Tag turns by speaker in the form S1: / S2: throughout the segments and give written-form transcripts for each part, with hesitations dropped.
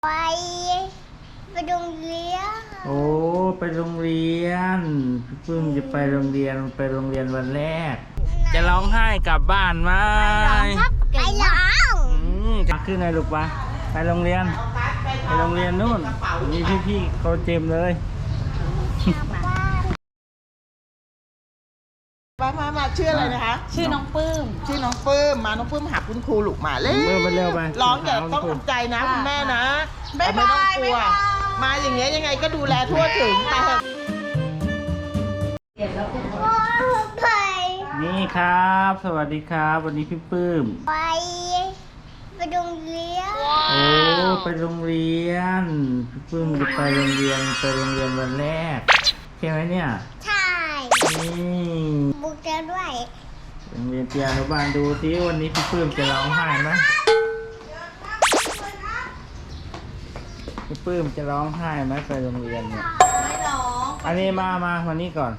S1: ไปโรงเรียน
S2: โอ้ไปโรงเรียนพี่ปื้มจะไปโรงเรียนวันแรกจะร้องไห้กลับบ้านไหม
S1: ไปร้อง
S2: จะขึ้นไงลูกปะไปโรงเรียนนู่นมีพี่เขาเต็มเลย
S3: มาชื่ออะไรนะคะ
S4: ชื่อน้องปื้ม
S3: น้องปื้มหาคุณครูลูกมาเร็ว
S2: ไป
S3: ร้องอย่าต้องทำใจนะคุณแม่นะไม่ต้องกลัวมาอย่างเงี้ยยังไงก็ดูแลทั่วถึงไป
S2: นี่ครับสวัสดีครับวันนี้พี่ปื้ม
S1: ไปโรงเรียน
S2: โอ้ไปโรงเรียนพี่ปื้มจะไปโรงเรียนวันแรกใช่ไหมเนี่ย
S1: ใช่
S2: นี่
S1: บุกเจอด้วย
S2: โรงเรียนเตรียมอนุบาลดูสิวันนี้พี่ปื้มจะร้องไห้ไหมพี่ปื้มจะร้องไห้ไหมไปโรงเรียนเนี่ย
S4: ไม่ร้อง
S2: อันนี้มานี่ก่อน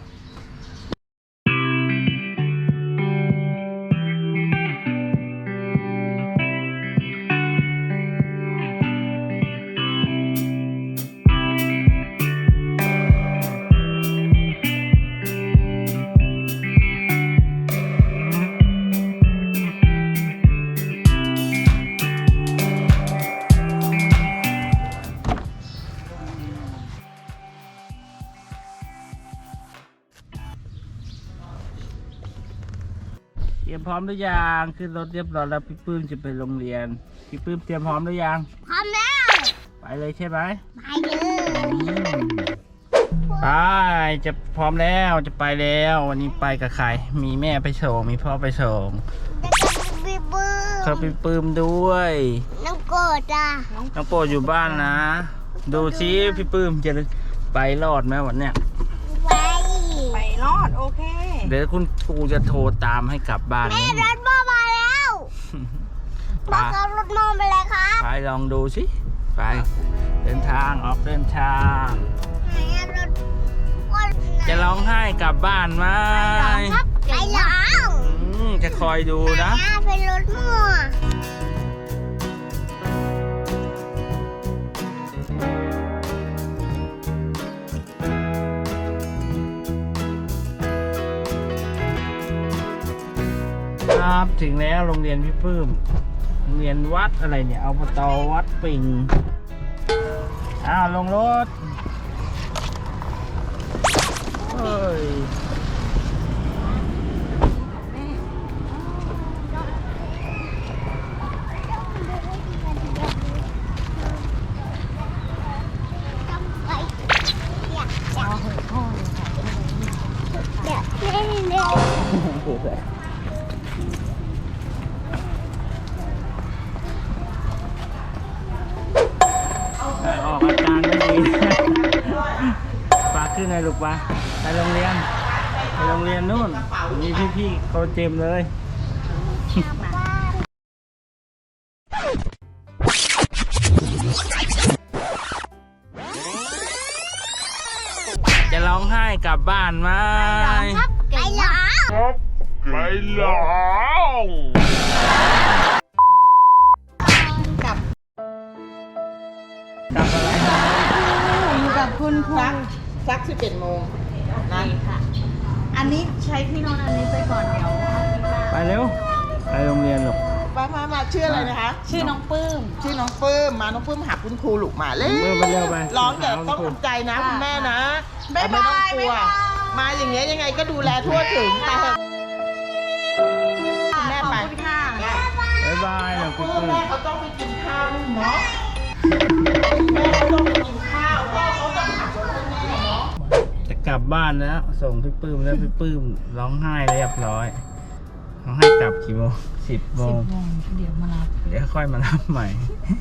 S2: เตรียมพร้อมหรือยังขึ้นรถเรียบร้อยแล้วพี่ปื้มจะไปโรงเรียนพี่ปื้มเตรียมพร้อมหรือยัง
S1: พร้อมแล้ว
S2: ไปเลยใช่ไหม
S1: ไปเลย
S2: ไปจะพร้อมแล้วจะไปแล้ววันนี้ไปกับใครมีแม่ไปส่งมีพ่อไปส่งเขาพี่ปื้มด้วย
S1: น้องโกดจ้ะ
S2: น้องโปรดอยู่บ้านนะดูซิพี่ปื้มจะไปรอดไหมวันเนี้ย
S4: ไปรอดโอเค
S2: เดี๋ยวคุณครูจะโทรตามให้กลับบ้าน
S1: แม่รถพ่อมาแล้วพ่อขับรถมองไปเลยครับ
S2: ไปลองดูสิไปเดินทางออกเดินทางจะร้องไห้กลับบ้านไหม
S1: ไปร้อง
S2: จะคอยดูนะ
S1: เป็นรถมั่ว
S2: ครับถึงแล้วโรงเรียนพี่ปื้มโรงเรียนวัดอะไรเนี่ยอบต.วัดปิงลงรถเฮ้ยออกอาการไม่ดีปากขึ้นไงลูกปะไปโรงเรียนนู่นมีพี่เขาเต็มเลยจะร้องไห้กลับบ้านไหม
S1: ไปร้อง
S2: กลับอะไร
S4: อยู่กับคุณครู
S3: สัก11 โมง
S4: นั่นค่ะอันนี้ใช้ที่นอนอันนี้ไปก่อนเดี๋ยว
S2: ไปเร็วไปโรงเรียนลูก
S3: มาชื่ออะไรนะคะ
S4: ชื่อน้องปื้ม
S3: น้องปื้มหาคุณครูลูกมาเร็ว
S2: ไป
S3: ร้องอย่าต้องทำใจนะคุณแม่นะไม่ต้องกลัวมาอย่างเงี้ยยังไงก็ดูแลทั่วถึงไปเถอะแม่ไป
S2: บ๊ายบายนะคุณ
S3: แม่เขาต้องไปกินข้าวเนาะแม่เขาต้องไปกินข้าวพ่อเขาต้องขับรถให้แม่เนาะ
S2: จะกลับบ้านแล้วส่งพี่ปื้มแล้วพี่ปื้มร้องไห้เรียบร้อยเขาให้กลับกี่โมง10 โมง
S4: เดี๋ยวมารับ
S2: เดี๋ยวค่อยมารับใหม่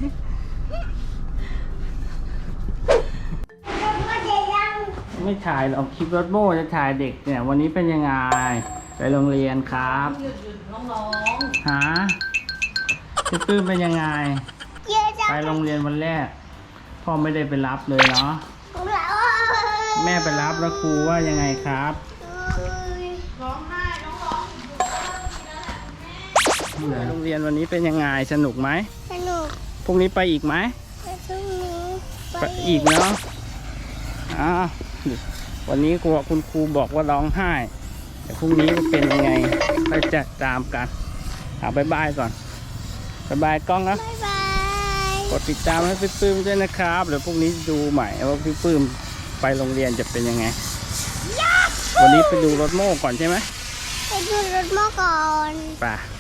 S2: ไม่ถ่ายหรอกคลิปรถโม่จะถ่ายเด็กเนี่ยวันนี้เป็นยังไงไปโรงเรียนครับหาพี่ปื้มเป็นยังไงไปโรงเรียนวันแรกพ่อไม่ได้ไปรับเลยเนาะแม่ไปรับแล้วครูว่ายังไงครับโรงเรียนวันนี้เป็นยังไงสนุกไหม
S1: สนุก
S2: พรุ่งนี้ไปอีกไหม
S1: ไป
S2: ไปอีกเนาะวันนี้คุณครูบอกว่าร้องไห้แต่พรุ่งนี้จะเป็นยังไงไปจะตามกันบายบายก่อนบายบายกล้องนะ
S1: บ๊ายบาย
S2: กดติดตามให้พี่ปื้มด้วยนะครับเดี๋ยวพรุ่งนี้ดูใหม่ว่าพี่ปื้มไปโรงเรียนจะเป็นยังไงวันนี้ไปดูรถโม่ก่อนใช่ไหม
S1: ไปดูรถโม่ก่อน
S2: ไป